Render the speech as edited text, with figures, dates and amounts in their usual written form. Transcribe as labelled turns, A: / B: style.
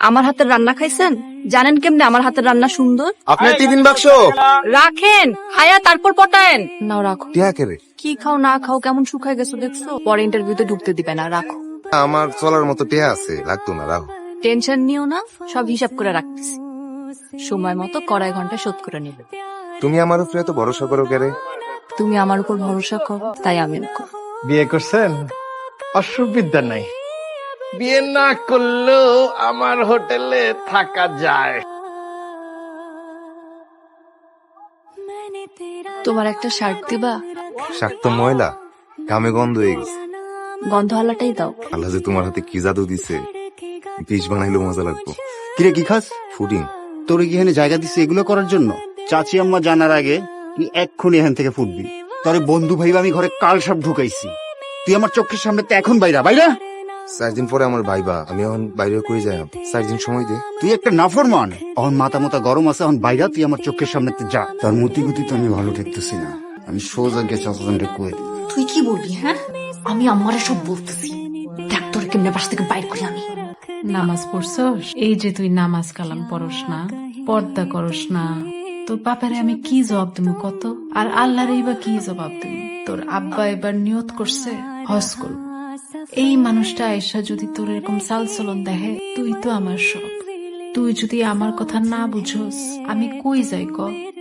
A: আমার হাতের রান্না খাইছেন? জানেন কেমনে আমার হাতের রান্না সুন্দর?
B: আপনার টিফিন বাক্স
A: রাখেন, খায়া তারপর পটায়েন। নাও রাখো।
B: টিয়া কে রে?
A: কি খাও না খাও কেমন শুকায় গেছো দেখছো? পরে ইন্টারভিউতে ঢুকতে দিবে না, রাখো।
B: আমার চলার মতো টিয়া আছে, লাগতো না, রাখো।
A: টেনশন নিও না, সব হিসাব করে রাখতেছি। সময় মতো কড়াই ঘন্টা শোধ করে নিবে।
B: তুমি আমার উপরে এত ভরসা করো কে রে?
A: তুমি আমার উপর ভরসা করো, তাই আমি করো।
C: বিয়ে করছেন? অসুবিধা নাই, বিয়ে না করলেও আমার হোটেলে থাকা যায়।
A: তোমার একটা শার্ট দিবা?
B: শাক তো ময়লা, ঘামে গন্ধ হয়ে গেছে।
A: গন্ধওয়ালাটাই দাও।
B: আল্লাহ যে তোমার হাতে কি জাদু দিছে, পিস বানাইলেও মজা লাগবো।
D: কিরে কি খাস?
B: ফুডিং।
D: তোর কি এখানে জায়গা দিছে এগুলো করার জন্য? চাচি আম্মা জানার আগে তুই এক্ষুনি এখান থেকে ফুটবি। তোরে বন্ধু ভাইবা আমি ঘরে কাল সব ঢুকাইছি, তুই আমার চোখের সামনে তো এখন বাইরা বাইরা।
B: 4 দিন পরে আমার ভাইবা, আমি এখন বাইরে কই যাই? 4 দিন সময় দে।
D: তুই একটা নাফরমান, এখন মাথা মাথা গরম আছে, এখন বাইরা তুই আমার চোখের সামনে যা। তার মতি গতি তো আমি ভালো দেখতেছি না, আমি সোজা গিয়ে চাচাজনকে কয়ে দিই।
A: তুই কি বলবি? হ্যাঁ, আমি আমারে সব বলতেছি। দেখ তোর কেমনে বাস থেকে বাইর করি আমি।
E: নামাজ পড়ছস? এই যে তুই নামাজ কালাম পড়স না, পর্দা করস না, তোর বাপারে আমি কি জবাব দেবো কত? আর আল্লাহর বা কি জবাব দেবো? তোর আব্বা এবার নিয়ত করছে হজ করব। এই মানুষটা আয়েশা যদি তোর এরকম চালচলন দেখে, তুই তো আমার সব। তুই যদি আমার কথা না বুঝোস, আমি কই যাই ক?